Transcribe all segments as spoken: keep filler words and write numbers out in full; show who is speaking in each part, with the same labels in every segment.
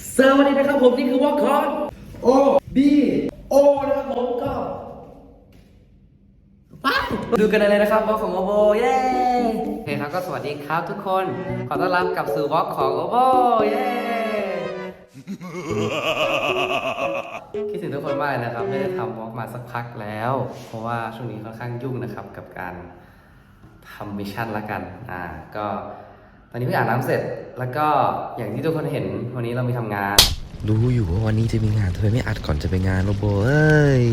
Speaker 1: สวัสดีนะครับผมนี่คือวอลคอนโอบีโอนะครับผมก็ไปดูกันเลยนะครับวอลของโอโบเย้โอเคครับก็สวัสดีครับทุกคนขอต้อนรับกลับสู่วอลของโอโบเย้คิดถึงทุกคนมากเลยนะครับไม่ได้ทำวอล์กมาสักพักแล้วเพราะว่าช่วงนี้ค่อนข้างยุ่งนะครับกับการทำมิชชั่นละกันอ่าก็ตอนนี้เพิ่งอาบน้ำเสร็จแล้วก็อย่างที่ทุกคนเห็นวันนี้เรามีทำงาน
Speaker 2: รู้อยู่ว่าวันนี้จะมีงานทำไมไม่อัดก่อนจะไปงานโรโบเอ้ย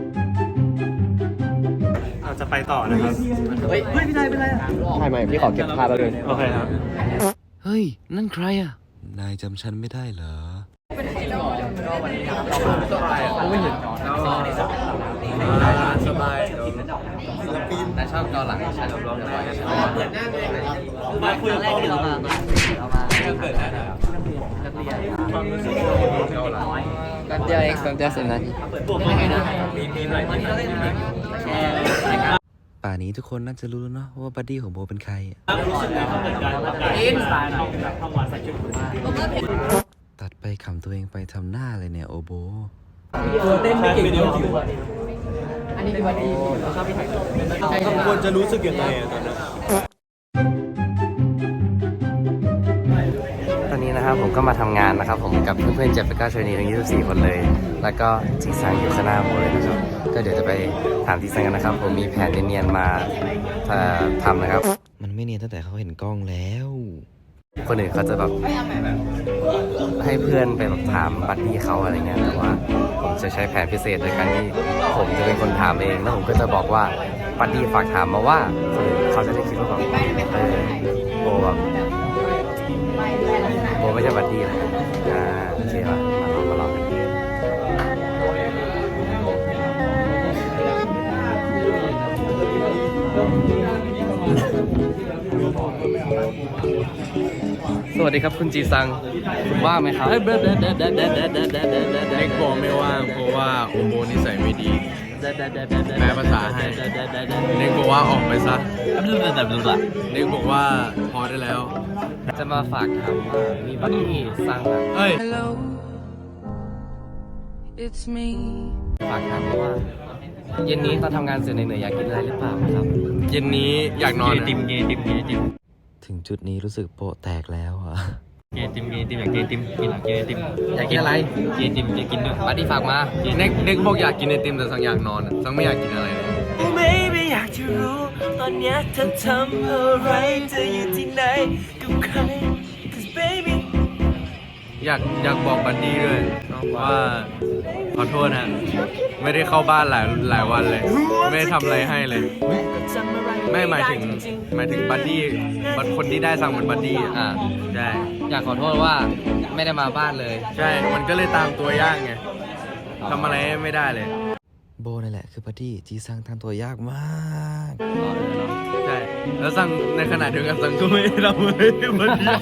Speaker 3: เราจะไปต่อนะครับ
Speaker 1: เฮ้ยไม่เป็นไรไม่เป็นไรใช่ไหมพี่ขอเก็บภาพแล้วเลย
Speaker 3: โอเคครับ
Speaker 2: เฮ้ยนั่นใครอ่ะนายจำฉันไม่ได้เหรอ
Speaker 1: ไม่เห็นสบายศิลปินแต่ชอบเกาหลังฉันร้องบ่อยฉันเปิดหน้าเลยมาคุยแรกที่เรามาเรามาเปิดหน้านักเรียนความรู้สึกเกาหลังกันเดียวเองกันเดียวสิบนาทียังไงนะมีมีหน่อยวันนี้เราเล่นแชร์
Speaker 2: ป่านนี้ทุกคนน่าจะรู้แล้วเนาะว่าบัดดี้ของโบเป็นใคร
Speaker 3: รู้สึกเลยเขาเหมือนกันกับการสไตล์ของทั้งวันใส่ชุด
Speaker 2: ตัดไปขำตัวเองไปทำหน้าเลยเนี่ยโอโบ
Speaker 3: เต้นไม่เก่งเดียวอันนี้คือวันดีครับพี่ไทยควรจะรู้สึกยังไงตอนนั้น
Speaker 1: ตอนนี้นะครับผมก็มาทำงานนะครับผมกับเพื่อนๆเจ็บไปก้าชนีทั้งยี่สิบสี่คนเลยแล้วก็จีซังอยู่ข้างหน้าผมเลยนะครับก็เดี๋ยวจะไปถามจีซังกันนะครับผมมีแผนเนียนๆมาทำนะครับ
Speaker 2: มันไม่เนียนตั้งแต่เขาเห็นกล้องแล้ว
Speaker 1: คนอื่นเขาจะแบบให้เพื่อนไปแบบถามบัดดี้เขาอะไรเงี้ยแต่ว่าผมจะใช้แผนพิเศษโดยการที่ผมจะเป็นคนถามเองแล้วผมก็จะบอกว่าบัดดี้ฝากถามมาว่าคนอื่นเขาจะได้คิดว่าแบบเออโบแบบโบไม่ใช่บัดดี้เลยอ่าโอเคป่ะมาลองมาลองกันสวัสดีครับคุณจีซังคุณว่างไหมครับเ
Speaker 4: น็กบอกไม่ว่างเพราะว่าโอโบนิสัยไม่ดีแปลภาษาให้เน็กบอกว่าออกไปซะเน็กบอกว่าพอได้แล้ว
Speaker 1: จะมาฝากถามว่ามีบัดดี้ซังอ่ะ
Speaker 4: เฮ้ย
Speaker 1: ฝากถามว่าเย็นนี้ตอนทำงานเสร็จเหนื่อยอยากกินอะไรหรือเปล่าครับ
Speaker 4: เย็นนี้อยากนอน
Speaker 3: ติมเกติมเกติม
Speaker 2: ถึงจุดนี้รู้สึกโปะแตกแล้วอ่ะ
Speaker 3: เกติมเกติมอยากเกติมกินหลังเกติม
Speaker 1: อยากกินอะไร
Speaker 3: เกติมจะกินด้วย
Speaker 1: บัดดี้ฝากมา
Speaker 4: เน็กเน็กบอกอยากกินไอติมแต่สังอยากนอนสังไม่อยากกินอะไรเลย
Speaker 5: ไม่ไม่อยากจะรู้ตอนนี้เธอทำอะไรเธออยู่ที่ไหนกับใคร Cause baby
Speaker 4: อยากอยากบอกบัดดี้ด้วยว่าขอโทษนะไม่ได้เข้าบ้านหลายหลายวันเลยไม่ได้ทำอะไรให้เลยไม่หมายถึงหมายถึงบัดดี้บัดคนที่ได้สั่งเหมือนบัดดี้อ่าใช่
Speaker 1: อยากขอโทษว่าไม่ได้มาบ้านเลย
Speaker 4: ใช่มันก็เลยตามตัวยากไงทำอะไรไม่ได้เลย
Speaker 2: โบนั่นแหละคือบัดดี้จีซังทำตัวยากมาก
Speaker 4: ใช่แล้วสั่งในขณะเดียวกันสั่งก็ไม่ได้ทำอะไรบัดดี้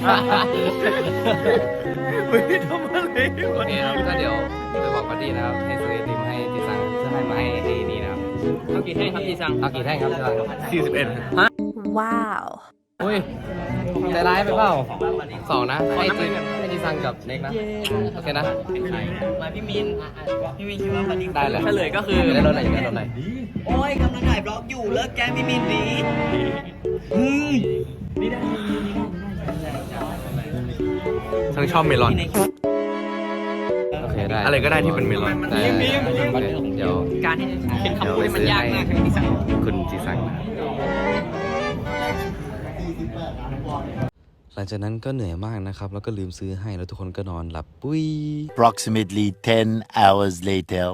Speaker 4: ไม่ได้ทำอะไร
Speaker 1: โอเคครับก็เดี๋ยวไปบอกบัดดี้นะครับให้ซื้อไอติมให้จีซังเพื่อให้มาให้ไอ้นี่นะครับ
Speaker 3: เอากี่แท่งครับจีซัง
Speaker 1: เอากี่แท่งครับจีซัง
Speaker 4: สี่สิบเอ็ด
Speaker 6: ว้าว
Speaker 1: อุ้ยใจร้ายไปเปล่าสองนะให้จีให้จีซังกับเน็กนะโอเคนะ
Speaker 5: มาพี่มินพี่มินคิดว่าบัดดี้
Speaker 1: ได้เลย
Speaker 3: เฉลยก็คือ
Speaker 1: ได้รถไหนได้รถไหน
Speaker 5: โอ้ยกำลังถ่ายบล็อกอยู่เลิกแกพี่มินดีเฮ้ยนี่ได้
Speaker 4: ทั้งชอบเมลอน
Speaker 1: โอเคได้
Speaker 4: อะไรก็ได้ที่เป็นเมลอน
Speaker 1: แต่เดี๋ยว
Speaker 3: การที่เป็นคำพูดมันยากมาก
Speaker 1: คุณจีซัง
Speaker 2: หลังจากนั้นก็เหนื่อยมากนะครับแล้วก็ลืมซื้อให้แล้วทุกคนก็นอนหลับปุ้ย
Speaker 7: Approximately ten hours later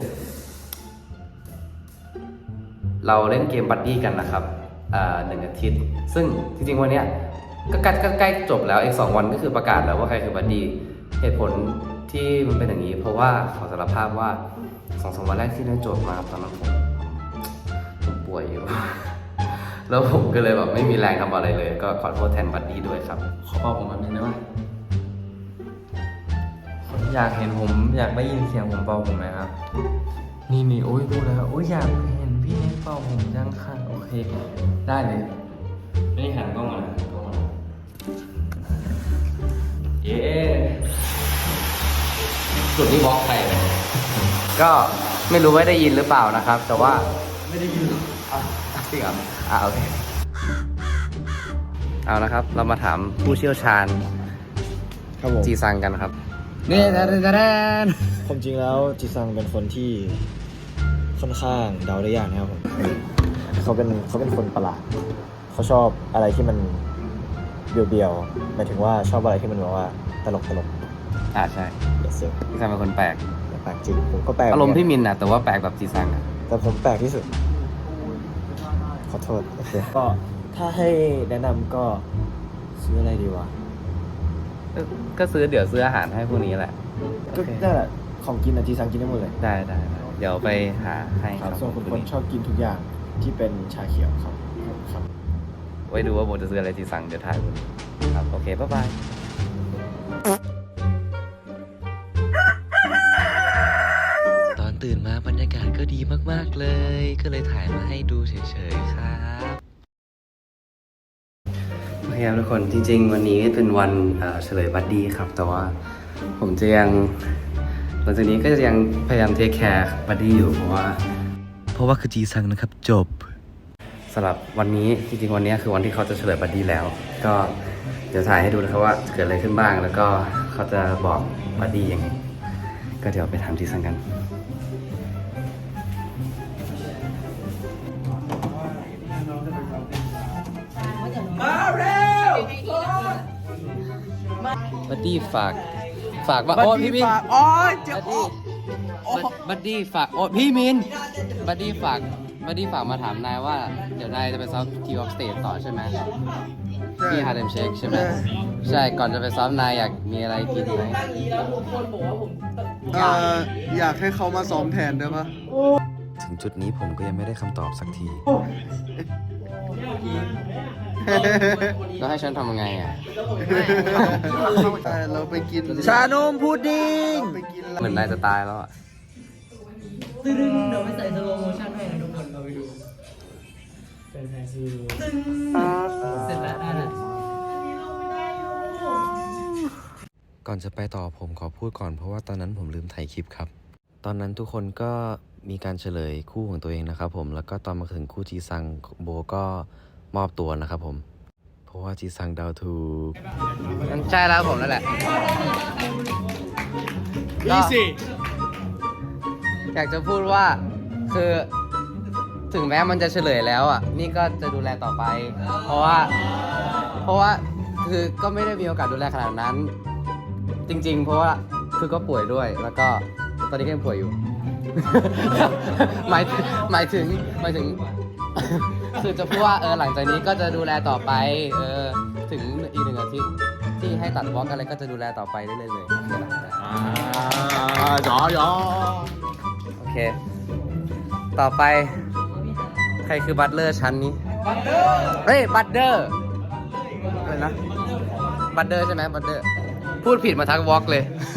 Speaker 1: เราเล่นเกมบัดดี้กันนะครับหนึ่งอาทิตย์ซึ่งจริงๆวันนี้ก็ใกล้ใกล้จบแล้วอีกสองวันก็คือประกาศแล้วว่าใครคือบัดดี้เหตุผลที่มันเป็นอย่างนี้เพราะว่าขอสารภาพว่าสองสามวันแรกที่ได้โจทย์มาตอนนั้นผมผมป่วยอยู่แล้วผมก็เลยแบบไม่มีแรงทำอะไรเลยก็ขอโทษแทนบัดดี้ด้วยครับขอบอกผมแบบนึงได้ไหมอยากเห็นผมอยากได้ยินเสียงผมเป่าผมไหมครับนี่นี่โอ้ยพูดแล้วโอ้ยอยากเห็นพี่เน็กเป่าผมจังค่ะโอเคได้เลยไม่ได้หันกล้องมาเย้จุดที่บล็อกใครก็ไม่รู้ว่าได้ยินหรือเปล่านะครับ แต่ว่าไม่ได้ยินจริงเหรออ่าโอเคเอานะครับ เรามาถามผู้เชี่ยวชาญ
Speaker 3: ครับผม
Speaker 1: จีซังกันครับนี่แดนแดน
Speaker 3: ผมจริงแล้วจีซังเป็นคนที่ค่อนข้างเดาได้ยากนะครับผมเขาเป็นเขาเป็นคนประหลาดเขาชอบอะไรที่มันเบียวๆหมายถึงว่าชอบอะไรที่มันแบบว่าตลกตลก
Speaker 1: อ่าใช่
Speaker 3: เยสเซอร์
Speaker 1: จีซังเป็นคนแปลก
Speaker 3: แปลกจริงผมก็แปลก
Speaker 1: อารมณ์พี่มินนะแต่ว่าแปลกแบบจีซังอะ
Speaker 3: แต่ผมแปลกที่สุดขอโทษโอเคก็ถ้าให้แนะนำก็ซื้ออะไรดีวะ
Speaker 1: ก็ก็ซื้อเดี๋ยวซื้ออาหารให้พวกนี้แหละ
Speaker 3: ก็นั่นแหละของกินอะจีซังกินได้หมดเลย
Speaker 1: ได้ได้ได้เดี๋ยวไปหาให้
Speaker 3: ค
Speaker 1: ค
Speaker 3: รั
Speaker 1: รั
Speaker 3: บบ ส่วนคุณคนชอบกินทุกอย่างที่เป็นชาเขียวครับครับ
Speaker 1: ไว้ดูว่าโบจะซื้ออะไรจีซังเดี๋ยวถ่ายคุณครับโอเคบ๊ายบาย
Speaker 2: ตอนตื่นมาบรรยากาศก็ดีมากๆเลย ก็เลยถ่ายมาให้ดูเฉยๆครับ
Speaker 1: โอเคครับทุกคนจริงๆ วันนี้เป็นวันเอ่อเฉลยบัดดี้ครับ แต่ว่าผมจะยังหลังจากนี้ก็จะยังพยายามเทคแคร์บัดดี้อยู่เพราะว่า
Speaker 2: เพราะว่าคือจีซังนะครับจบ
Speaker 1: สำหรับวันนี้จริงๆ วันนี้คือวันที่เขาจะเฉลยบัดดี้แล้ว ก็เดี๋ยวถ่ายให้ดูนะครับว่าเกิดอะไรขึ้นบ้าง แล้วก็เขาจะบอกบัดดี้ยังไงก็เดี๋ยวไปถามจีซังกันบัดดี้ฝากฝากว่าโอ้พี่มินโอ้ยเจ็บบัดดี้ฝากโอ้พี่มินบัดดี้ฝากบัดดี้ฝากมาถามนายว่าเดี๋ยวนายจะไปซ้อมคิวออฟสเตจต่อใช่ไหมที่ฮาร์เดมเชคใช่ไหมใช่ก่อนจะไปซ้อมนายอยากมีอะไรกินไหม
Speaker 6: เอ่ออยากให้เขามาซ้อมแทนได้ปะ
Speaker 2: ถึงจุดนี้ผมก็ยังไม่ได้คำตอบสักที
Speaker 1: แล้วให้ฉันทำยังไงอ่ะ
Speaker 6: ใช่เราไปกิน
Speaker 3: ชานมพุดดิ้ง
Speaker 6: ไปกิน
Speaker 1: เหมือนนายจะตายแล้วอ่ะ
Speaker 5: ตึ้งเดี๋ยวไปใส่สโลโมชั่นให้นะทุกคนเราไปดูเป็นแฟนซีตึ้งเสร็จแล้วได้แล้ว
Speaker 2: ก่อนจะไปต่อผมขอพูดก่อนเพราะว่าตอนนั้นผมลืมถ่ายคลิปครับ ตอนนั้นทุกคนก็มีการเฉลยคู่ของตัวเองนะครับผม แล้วก็ตอนมาถึงคู่จีซังโบก็มอบตัวนะครับผม เพราะว่าจีซังเดาถูก
Speaker 1: มันใช่แล้วผมนั่นแหละ
Speaker 6: นี่สิ
Speaker 1: อยากจะพูดว่าคือถึงแม้มันจะเฉลยแล้วอ่ะ นี่ก็จะดูแลต่อไป เพราะว่า เพราะว่าคือก็ไม่ได้มีโอกาสดูแลขนาดนั้น จริง ๆ เพราะว่าคือก็ป่วยด้วย แล้วก็ตอนนี้ก็ยังป่วยอยู่ หมายถึงหมายถึงหมายถึง คือจะพูดว่าเออหลังจากนี้ก็จะดูแลต่อไป เออถึงอีกหนึ่งอาทิตย์ที่ให้ตัดบล็อกอะไรก็จะดูแลต่อไปเรื่อยๆเลย
Speaker 6: หยอหยอ
Speaker 1: โอเค ต่อไป ใครคือบัตเลอร์ชั้นนี้ บัตเตอร์ เฮ้ย บัตเตอร์อะไรนะ บัตเตอร์ใช่ไหมบัตเตอร์ พูดผิดมาทั้งวอล์กเลย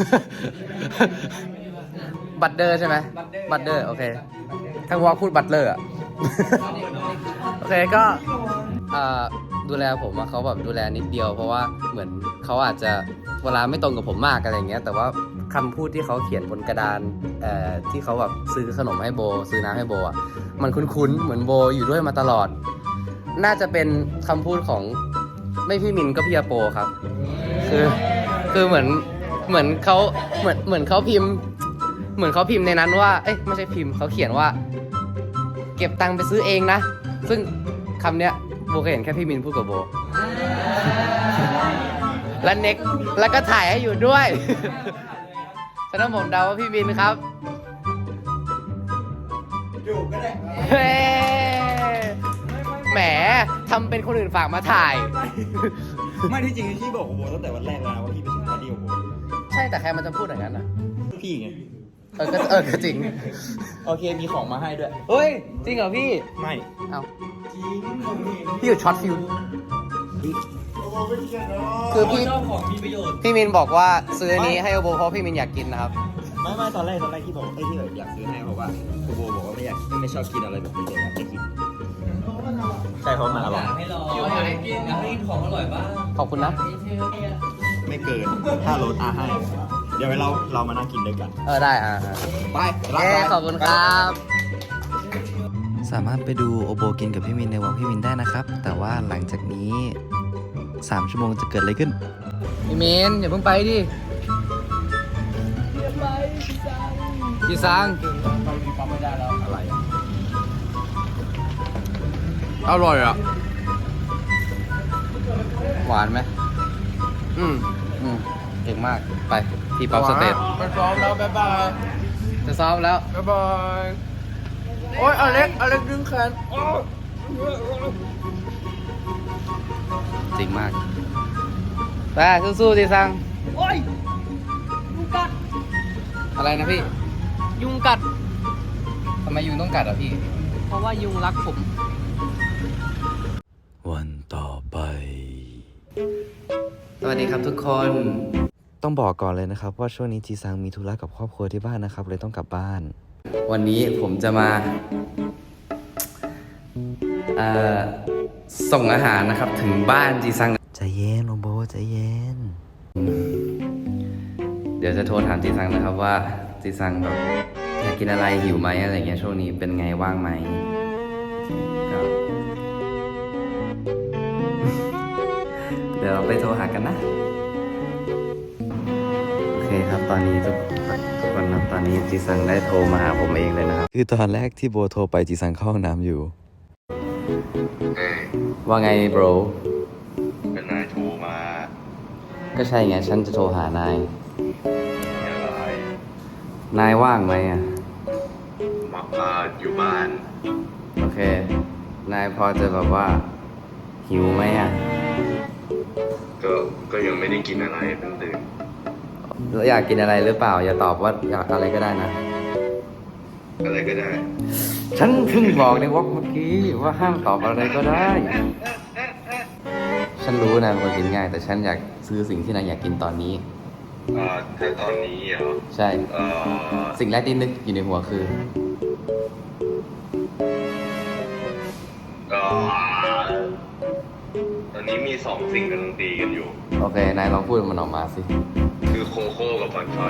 Speaker 1: บัตเตอร์ใช่ไหมบัตเตอร์ โอเค ทั้งวอล์กพูดบัตเลอร์อะ โอเคก็เอ่อดูแลผมอะเขาแบบดูแลนิดเดียว เพราะว่าเหมือนเขาอาจจะเวลาไม่ตรงกับผมมากอะไรอย่างเงี้ย แต่ว่าคำพูดที่เขาเขียนบนกระดานเอ่อที่เขาแบบซื้อขนมให้โบ ซื้อน้ำให้โบอะมันคุ้นๆเหมือนโบอยู่ด้วยมาตลอด น่าจะเป็นคำพูดของไม่พี่มินก็พี่อาโปครับ คือคือเหมือนเหมือนเขาเหมือนเหมือนเขาพิมพ์ เหมือนเขาพิมพ์ในนั้นว่าเอ้ยไม่ใช่พิมพ์เขาเขียนว่า เก็บตังค์ไปซื้อเองนะ ซึ่งคำเนี้ยโบเคยเห็นแค่พี่มินพูดกับโบ และเน็กแล้วก็ถ่ายให้อยู่ด้วย ฉะนั้นผมเดาว่าพี่มินครับอยู่ก็ได้แหมทำเป็นคนอื่นฝากมาถ่าย
Speaker 3: ไม่ที่จริงพี่บอกกับโบตั้งแต่วันแรกแล้วว่าพี่เป็นคนเดียวโบ
Speaker 1: ใช่แต่ใครมันจะพูดอย่างนั้นอ่ะ
Speaker 3: พี่ไง
Speaker 1: เออก็เออก็จริง
Speaker 3: โอเคมีของมาให้ด้วย
Speaker 1: เฮ้ย จริงเหรอพี่
Speaker 3: ไม่
Speaker 1: เอาพี่อยู่ช็อตฟิวคือพี่พี่มินบอกว่าซื้ออันนี้ให้โอโบเพราะพี่มินอยากกินนะครับ
Speaker 3: ไม่ไม่ตอนแรกตอนแรกที่บอกไอ้ที่แบบอยากซื้อให้เพราะว่าโบบอกว่าไม่อยากไม่ชอบกินอะไรแบบนี้เลยอยากจะกินใช่เพราะมันอร่อย
Speaker 5: ให้รออยากให้กินอยากให้กินของอร่อยบ้าง
Speaker 1: ขอบคุณนะ
Speaker 3: ไม่เกินถ้ารถอาให้ เดี๋ยวเราเรามานั่งกินด้วยกัน
Speaker 1: เออได้อ่ะ
Speaker 3: ไป
Speaker 1: เย้ขอบคุณครับ
Speaker 2: สามารถไปดูโอโบกินกับพี่มินในวอล์กพี่มินได้นะครับ แต่ว่าหลังจากนี้สามชั่วโมงจะเกิดอะไรขึ้น
Speaker 1: พี่เมนอย่าเพิ่งไปดิพี่ซัง
Speaker 4: อร่อยอ่ะ
Speaker 1: หวานไหม
Speaker 4: อืม
Speaker 1: อืมเก่งมากไปที่ป๊อปสเตท
Speaker 4: ไปซ้อมแล้วบ๊ายบาย
Speaker 1: จะซ้อมแล้ว
Speaker 4: บ๊ายบาย โอ้ยอเล็กอเล็กดึงแขนโอ้
Speaker 1: จริงมากไปสู้ๆดิซัง
Speaker 5: โอ้ยยุงกัด
Speaker 1: อะไรนะพี่
Speaker 5: ยุงกัด
Speaker 1: ทำไมยุงต้องกัดอ่ะพี่
Speaker 5: เพราะว่ายุงรักผม
Speaker 2: วันต่อไป
Speaker 1: สวัสดีครับทุกคน
Speaker 2: ต้องบอกก่อนเลยนะครับว่าช่วงนี้จีซังมีธุระกับครอบครัวที่บ้านนะครับเลยต้องกลับบ้าน
Speaker 1: วันนี้ผมจะมาเอ่อส่งอาหารนะครับถึงบ้านจีซัง
Speaker 2: ใจเย็นโอโบใจเย็น
Speaker 1: เดี๋ยวจะโทรถามจีซังนะครับว่าจีซังแบบอยากกินอะไรหิวไหมอะไรเงี้ยช่วงนี้เป็นไงว่างไหมก็ เดี๋ยวเราไปโทรหากันนะ โอเคครับตอนนี้ทุกทุกคนนะตอนนี้จีซังได้โทรมาหาผมเองเลยนะครับ
Speaker 2: คือตอนแรกที่โบโทรไปจีซังเข้าห้องน้ำอยู่
Speaker 1: ว่าไง bro
Speaker 6: เป็นนายโทรมา
Speaker 1: ก็ใช่ไงฉันจะโทรหานาย
Speaker 6: อะไร
Speaker 1: นายว่างไหมอ่ะ
Speaker 6: มาพาอยู่บ้าน
Speaker 1: โอเค นายพอจะแบบว่าหิวไหมอ่ะ
Speaker 6: ก็ก็ยังไม่ได้กินอะไรเพิ่งตื่น
Speaker 1: แล้วอยากกินอะไรหรือเปล่า อย่าตอบว่าอยากอะไรก็ได้นะ
Speaker 6: อะไรก็ได้
Speaker 1: ฉันเพิ่งบอกในวอล์กเมื่อกี้ว่าห้ามตอบอะไรก็ได้ ฉันรู้นะเป็นคนกินง่าย แต่ฉันอยากซื้อสิ่งที่นายอยากกินตอนนี้
Speaker 6: อ่าแต่ตอนนี้เหรอ
Speaker 1: ใช่
Speaker 6: เอ่อ
Speaker 1: สิ่งแรกที่นึกอยู่ในหัวคือ
Speaker 6: ก็ตอนนี้มีสองสิ่งกำลังตีกันอยู่
Speaker 1: โอเค นายลองพูดมันออกมาสิ
Speaker 6: คือโคโค่กับบอนชอน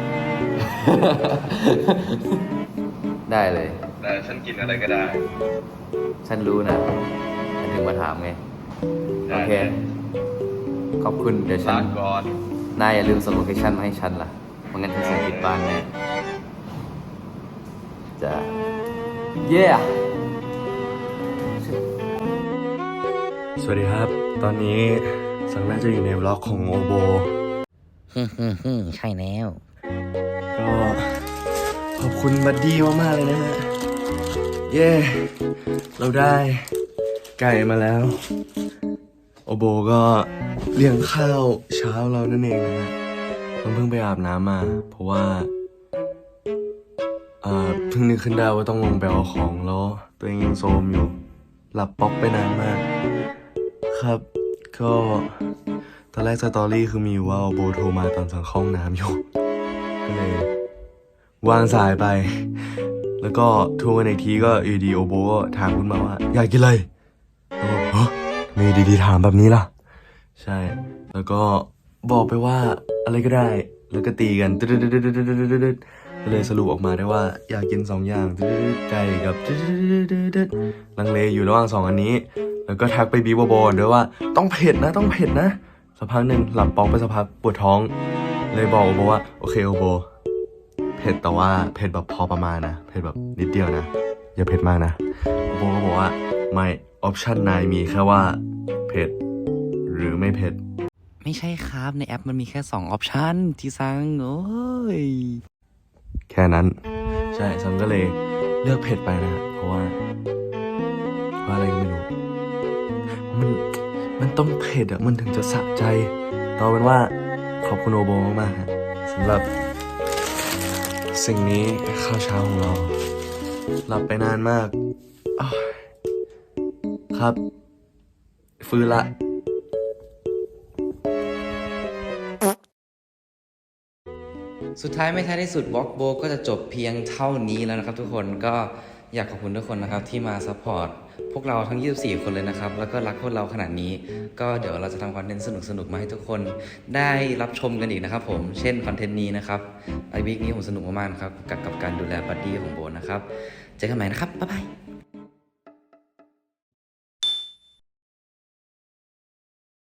Speaker 1: ได้เลย
Speaker 6: แต่ฉันกินอะไรก็ได้
Speaker 1: ฉันรู้นะฉันถึงมาถามไง โอเค ขอบคุณ เดี๋ยวฉั
Speaker 6: ลาน ก่อน
Speaker 1: นายอย่าลืมส่งโลเคชั่นมาให้ฉันล่ะไม่งั้นฉันส่งผิดบ้านแน่จะเย้
Speaker 4: สวัสดีครับ ตอนนี้สังน่าจะอยู่ในบล็อกของโอโบ
Speaker 2: ฮึ่มฮึ่มใช่แล้ว
Speaker 4: ก็ขอบคุณบัดดี้มากๆเลยนะฮะ เย้ เราได้ไก่มาแล้ว โอโบก็เลี้ยงข้าวเช้าเรานั่นเองนะฮะต้องเพิ่งไปอาบน้ำมา เพราะว่าเอ่อเพิ่งนึกขึ้นได้ว่าต้องลงไปเอาของแล้วตัวเองยังโซมอยู่ หลับป๊อกไปนานมาก ครับ ก็ตอนแรกสตอรี่คือมีอยู่ว่าโอโบโทรมาตอนสั่งเข้าห้องน้ำอยู่ ก็เลยวางสายไป แล้วก็โทรกันอีกทีก็อยู่ดีโอโบก็ถามขึ้นมาว่า อยากกินอะไรแล้วก็ฮะทำไมดีๆถามแบบนี้ล่ะ ใช่ แล้วก็บอกไปว่าอะไรก็ได้ แล้วก็ตีกันตึ๊ดๆๆๆๆๆก็เลยสรุปออกมาได้ว่าอยากกินสองอย่างตึ๊ดๆไก่กับตึ๊ดๆๆๆลังเลอยู่ระหว่างสองอันนี้ แล้วก็ทักไปบีบโบนด้วยว่าต้องเผ็ดนะต้องเผ็ดนะสักพักหนึ่งหลับปองไปสักพักปวดท้อง เลยบอกโอโบว่าโอเคโอโบเผ็ดแต่ว่าเผ็ดแบบพอประมาณนะเผ็ดแบบนิดเดียวนะอย่าเผ็ดมากนะโอโบก็บอกว่าไม่ออปชั่นนายมีแค่ว่าเผ็ดหรือไม่เผ็ด
Speaker 2: ไม่ใช่ครับในแอปมันมีแค่สองออปชันจีซังโอ้ย
Speaker 4: แค่นั้น ใช่ซังก็เลยเลือกเผ็ดไปนะเพราะว่าเพราะอะไรก็ไม่รู้มันมันต้องเผ็ดอะมันถึงจะสะใจเอาเป็นว่าขอบคุณโอโบมากๆฮะสำหรับ สิ่งนี้ข้าวเช้าของเรา หลับไปนานมากอ้าวครับ ฟื้นละ
Speaker 2: สุดท้ายไม่ท้ายที่สุดวอล์กโบก็จะจบเพียงเท่านี้แล้วนะครับทุกคนก็อยากขอบคุณทุกคนนะครับที่มาซัพพอร์ตพวกเราทั้งยี่สิบสี่คนเลยนะครับแล้วก็รักพวกเราขนาดนี้ก็เดี๋ยวเราจะทำคอนเทนต์สนุกๆมาให้ทุกคนได้รับชมกันอีกนะครับผมเช่นคอนเทนต์นี้นะครับไอวีคนี้ผมสนุกมากๆครับกับกับการดูแลบัดดี้ของโบนะครับเจอกันใหม่นะครับบ๊ายบาย